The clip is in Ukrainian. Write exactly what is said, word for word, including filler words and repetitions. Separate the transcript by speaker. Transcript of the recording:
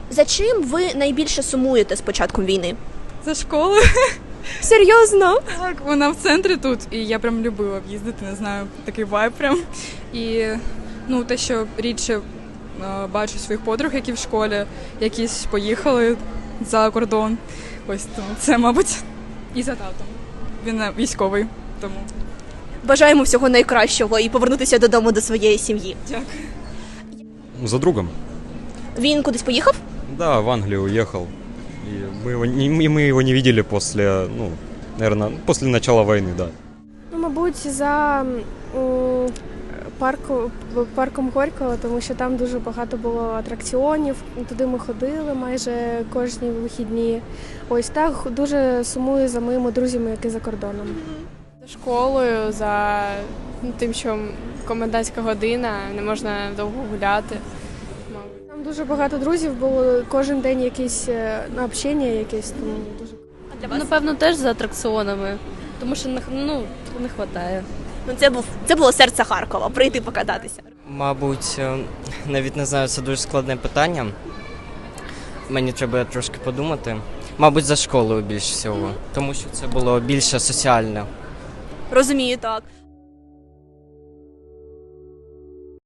Speaker 1: За чим ви найбільше сумуєте з початком війни?
Speaker 2: За школою.
Speaker 1: Серйозно?
Speaker 2: Так, вона в центрі тут, і я прям любила б їздити, не знаю, такий вайб прям. І ну, те, що рідше е, бачу своїх подруг, які в школі, якісь поїхали за кордон. Ось тому це, мабуть, і за татом. Він е, військовий, тому
Speaker 1: Бажаємо всього найкращого і повернутися додому до своєї сім'ї.
Speaker 2: дякую.
Speaker 3: За другом.
Speaker 1: Він кудись поїхав?
Speaker 3: Да, в Англию уехал. И мы его, не, и мы его не видели после, ну, наверное, после начала войны, да.
Speaker 4: Ну, мабуть, за м, парку, парком Горького, тому що там дуже багато було атракціонів. Туди ми ходили майже кожні вихідні. Ось так дуже сумую за моїми друзями, які за кордоном.
Speaker 5: За школою, за ну, тим, що комендантська година, не можна довго гуляти. мабуть.
Speaker 4: Там дуже багато друзів було, кожен день якісь е, ну, общення якесь, тому дуже.
Speaker 6: Напевно, теж за атракціонами, тому що не, ну, не вистачає.
Speaker 1: Ну, це був це було серце Харкова, прийти покататися.
Speaker 7: Мабуть, е, навіть не знаю, це дуже складне питання. Мені треба трошки подумати. Мабуть, за школою більш всього, тому що це було більше соціальне.
Speaker 1: Розумію, так.